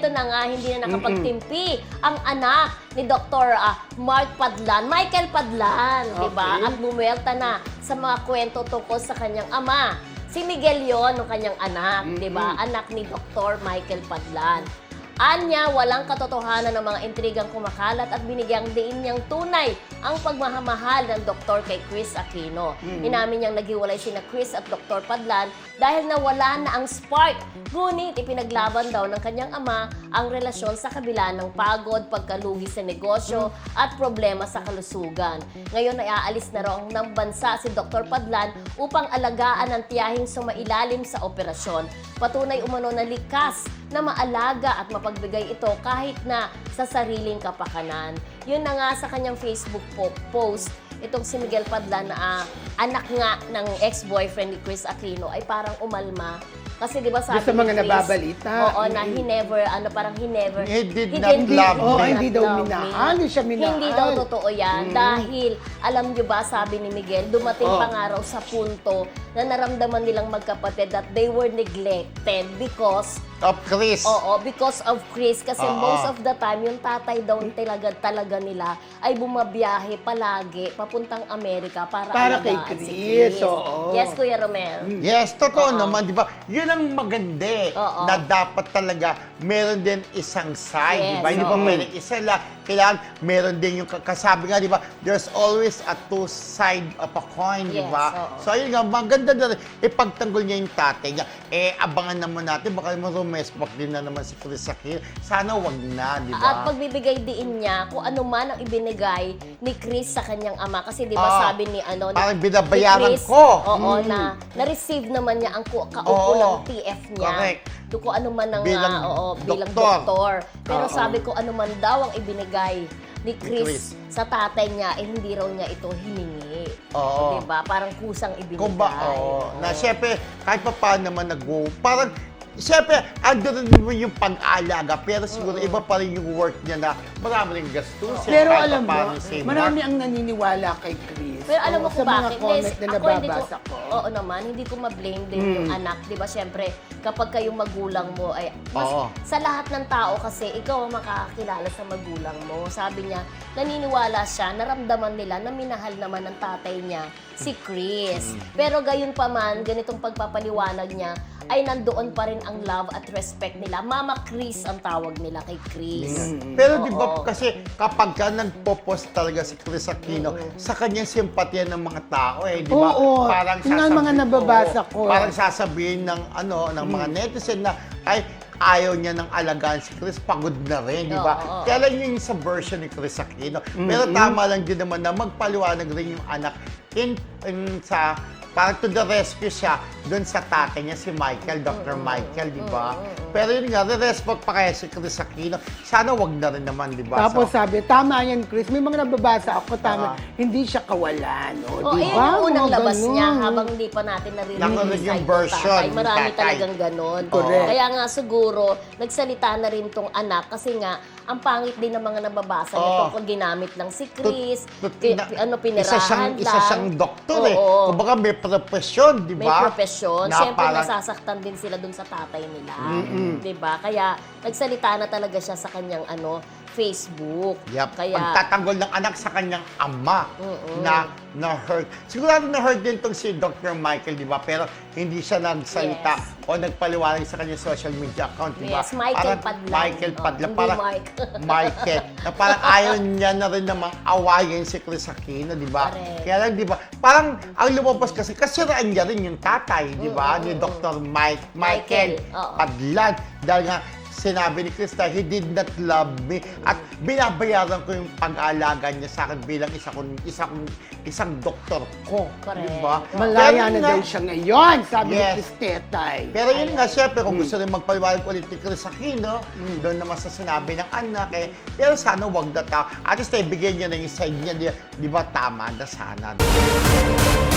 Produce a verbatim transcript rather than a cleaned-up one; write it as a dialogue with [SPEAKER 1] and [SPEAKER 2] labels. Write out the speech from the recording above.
[SPEAKER 1] eto na nga, hindi na nakapagtimpi ang anak ni Doctor uh, Mark Padlan, Michael Padlan,
[SPEAKER 2] Okay.
[SPEAKER 1] di ba? At bumuelta na sa mga kwento tungkol sa kanyang ama. Si Miguel yon, ang kanyang anak, di ba? Anak ni Doctor Michael Padlan. Anya, walang katotohanan ng mga intrigang kumakalat at binigyang diin niyang tunay ang pagmahamahal ng doktor kay Kris Aquino.
[SPEAKER 2] Mm-hmm.
[SPEAKER 1] Inamin niyang naghiwalay sina Kris at Doktor Padlan dahil nawala na ang spark. Ngunit ipinaglaban daw ng kanyang ama ang relasyon sa kabila ng pagod, pagkalugi sa negosyo at problema sa kalusugan. Ngayon ay aalis na raw ng bansa si Doktor Padlan upang alagaan ang tiyahing sumailalim sa operasyon. Patunay umano na likas na maalaga at mapagbigay ito kahit na sa sariling kapakanan. Yun na nga sa kanyang Facebook po post, itong si Miguel Padlan na uh, anak nga ng ex-boyfriend ni Kris Aquino ay parang umalma. Kasi di ba sabi
[SPEAKER 2] sa mga
[SPEAKER 1] ni Kris,
[SPEAKER 2] nababalita.
[SPEAKER 1] oo, na he never, ano parang he never,
[SPEAKER 3] He did not love
[SPEAKER 2] Oh,
[SPEAKER 3] me.
[SPEAKER 2] hindi daw
[SPEAKER 1] love
[SPEAKER 2] minahal,
[SPEAKER 1] me.
[SPEAKER 2] hindi siya minahal.
[SPEAKER 1] Hindi daw totoo yan. Dahil, alam nyo ba, sabi ni Miguel, dumating
[SPEAKER 2] Oh.
[SPEAKER 1] pa nga raw sa punto na naramdaman nilang magkapatid that they were neglected because
[SPEAKER 3] Of Chris.
[SPEAKER 1] Oo, because of Chris. Kasi
[SPEAKER 3] Oo.
[SPEAKER 1] most of the time, yung tatay daw talaga, talaga nila ay bumabiyahe palagi papuntang Amerika para,
[SPEAKER 2] Para kay
[SPEAKER 1] alagaan si
[SPEAKER 2] Chris,
[SPEAKER 1] Chris.
[SPEAKER 2] oo.
[SPEAKER 1] Yes, Kuya Romel.
[SPEAKER 3] Yes, totoo
[SPEAKER 1] Oo.
[SPEAKER 3] naman, di ba? Yun ang maganda eh,
[SPEAKER 1] Oo.
[SPEAKER 3] na dapat talaga meron din isang side, di ba?
[SPEAKER 1] Yes,
[SPEAKER 3] Hindi ba
[SPEAKER 1] oo.
[SPEAKER 3] pwedeng isa lang, kailangan meron din yung kasabi nga, di ba? There's always a two side of a coin, di
[SPEAKER 1] Yes,
[SPEAKER 3] ba?
[SPEAKER 1] oo.
[SPEAKER 3] So ayun nga, maganda na rin, ipagtanggol niya yung tatay niya. Eh, abangan naman natin, baka rumespak din na naman si Kris Aquino. Sana wag na, di
[SPEAKER 1] At
[SPEAKER 3] ba?
[SPEAKER 1] pagbibigay diin niya kung ano man ang ibinigay ni Chris sa kanyang ama. Kasi di ba
[SPEAKER 3] Ah,
[SPEAKER 1] sabi ni ano, ni-
[SPEAKER 3] parang
[SPEAKER 1] ni
[SPEAKER 3] binabayaran
[SPEAKER 1] Chris,
[SPEAKER 3] ko.
[SPEAKER 1] Oo,
[SPEAKER 3] Mm.
[SPEAKER 1] na na-receive naman niya ang ku- kaukulang
[SPEAKER 3] Oo.
[SPEAKER 1] T F niya.
[SPEAKER 3] Correct.
[SPEAKER 1] To kung ano man ang
[SPEAKER 3] Bilang
[SPEAKER 1] ah, oo, bilang
[SPEAKER 3] doktor.
[SPEAKER 1] doktor. Pero
[SPEAKER 3] Oo.
[SPEAKER 1] sabi ko ano man daw ang ibinigay ni
[SPEAKER 3] Chris.
[SPEAKER 1] Chris, sa tatay niya, eh hindi raw niya ito hiningi.
[SPEAKER 3] Oo.
[SPEAKER 1] Diba? Parang kusang ibinigay.
[SPEAKER 3] Kung ba, oo.
[SPEAKER 1] Oo.
[SPEAKER 3] Na syempre, kahit pa paano naman nag-go, parang, syempre, ando rin naman yung pag-aalaga, pero siguro iba pa rin yung work niya na marami rin gastusin.
[SPEAKER 2] Pero
[SPEAKER 3] kahit
[SPEAKER 2] alam
[SPEAKER 3] pa
[SPEAKER 2] mo,
[SPEAKER 3] paano save
[SPEAKER 2] marami
[SPEAKER 3] work.
[SPEAKER 2] ang naniniwala kay Chris.
[SPEAKER 1] Pero alam mo
[SPEAKER 2] Oo,
[SPEAKER 1] kung
[SPEAKER 2] sa mga
[SPEAKER 1] bakit?
[SPEAKER 2] comment
[SPEAKER 1] Yes,
[SPEAKER 2] na
[SPEAKER 1] ako hindi ko,
[SPEAKER 2] nababasa ko.
[SPEAKER 1] oo naman, hindi ko ma-blame din yung anak. Di ba, syempre, kapag kayong magulang mo, ay, mas,
[SPEAKER 3] Oo.
[SPEAKER 1] sa lahat ng tao kasi, ikaw ang makakakilala sa magulang mo. Sabi niya, naniniwala siya, naramdaman nila na minahal naman ng tatay niya, si Chris. Pero gayon pa man, ganitong pagpapaliwanag niya, ay nandoon pa rin ang love at respect nila. Mama Chris ang tawag nila kay Chris.
[SPEAKER 3] Pero di ba
[SPEAKER 1] Oo.
[SPEAKER 3] kasi kapag ka nagpo-post talaga si Chris Aquino, sa kanyang simpatya ng mga tao eh, di ba?
[SPEAKER 2] Oo,
[SPEAKER 3] Parang
[SPEAKER 2] yun ang mga
[SPEAKER 3] sasabi-
[SPEAKER 2] nababasa
[SPEAKER 3] oo,
[SPEAKER 2] ko.
[SPEAKER 3] Parang sasabihin ng ano ng mga netizen na ay ayaw niya ng alagaan si Chris, pagod na rin, di ba?
[SPEAKER 1] Oo, oo.
[SPEAKER 3] Kaya lang yun sa version ni Chris Aquino. Pero tama lang din naman na magpaliwanag rin yung anak in, in sa parang to the rescue siya doon sa tatay niya, si Michael, Doctor Michael, di ba? Pero yun nga, re-respect pa kaya si Chris Aquino. Sana wag na rin naman, di ba?
[SPEAKER 2] Tapos
[SPEAKER 3] So,
[SPEAKER 2] sabi, tama yan, Chris. May mga nababasa ako, tama.
[SPEAKER 3] Ah.
[SPEAKER 2] hindi siya kawalan. O,
[SPEAKER 1] Oh,
[SPEAKER 2] di
[SPEAKER 1] ayun
[SPEAKER 2] ba?
[SPEAKER 1] yung unang
[SPEAKER 2] Mga
[SPEAKER 1] labas
[SPEAKER 2] ganun.
[SPEAKER 1] niya habang hindi pa natin narinig
[SPEAKER 3] Narinig yung
[SPEAKER 1] side ng
[SPEAKER 3] version
[SPEAKER 1] tatay.
[SPEAKER 3] ni
[SPEAKER 1] Marami
[SPEAKER 3] tatay.
[SPEAKER 1] talagang ganon.
[SPEAKER 2] Correct.
[SPEAKER 1] Kaya nga siguro, nagsalita na rin tong anak kasi nga, ang pangit din ng mga nababasa
[SPEAKER 3] Oo.
[SPEAKER 1] nito kung ginamit lang si Chris,
[SPEAKER 3] tut-
[SPEAKER 1] pi-
[SPEAKER 3] na-
[SPEAKER 1] pi- ano, pinirahan
[SPEAKER 3] isa siyang,
[SPEAKER 1] lang.
[SPEAKER 3] Isa siyang doktor eh.
[SPEAKER 1] Oo.
[SPEAKER 3] Kumbaga may profesyon, di
[SPEAKER 1] May
[SPEAKER 3] ba?
[SPEAKER 1] profesyon.
[SPEAKER 3] Na
[SPEAKER 1] Siyempre,
[SPEAKER 3] parang-
[SPEAKER 1] nasasaktan din sila dun sa tatay nila. Di ba? Kaya, nagsalita na talaga siya sa kanyang ano Facebook.
[SPEAKER 3] Yep.
[SPEAKER 1] Kaya,
[SPEAKER 3] Pagtatanggol ng anak sa kanyang ama na na-hurt. Sigurado na-hurt din tong si Doctor Michael, di ba? Pero hindi siya nagsalita
[SPEAKER 1] Yes.
[SPEAKER 3] o nagpaliwanag sa kanyang social media account, di ba?
[SPEAKER 1] Yes, Michael Padlan.
[SPEAKER 3] Michael
[SPEAKER 1] Oh,
[SPEAKER 3] Padlan.
[SPEAKER 1] hindi
[SPEAKER 3] parang,
[SPEAKER 1] Mike.
[SPEAKER 3] Michael. Na parang ayaw niya na rin namang awayin si Chris Aquino, di ba?
[SPEAKER 1] Correct.
[SPEAKER 3] Kaya lang, di ba? Parang ang lumabas kasi, kasiraan niya rin yung tatay, di ba? Ni Doctor Mike, Michael
[SPEAKER 1] Michael, oo.
[SPEAKER 3] Padlan. Dahil nga, sinabi ni Krista, he did not love me. At binabayaran ko yung pag-aalaga niya sa akin bilang isa kong, isa kong, isang doktor ko.
[SPEAKER 1] Correct.
[SPEAKER 3] Diba?
[SPEAKER 2] Malaya
[SPEAKER 3] Pero
[SPEAKER 2] na
[SPEAKER 3] nga-
[SPEAKER 2] daw siya ngayon, sabi
[SPEAKER 3] Yes.
[SPEAKER 2] ni Chris Tetay.
[SPEAKER 3] Pero yun nga, syempre, kung gusto rin magpaliwanag ulit ni Chris Aquino, doon naman sa sinabi ng anak, eh, pero sana wag na tao. At least, eh, bigyan niya na yung side niya, di, di ba, tama na sana.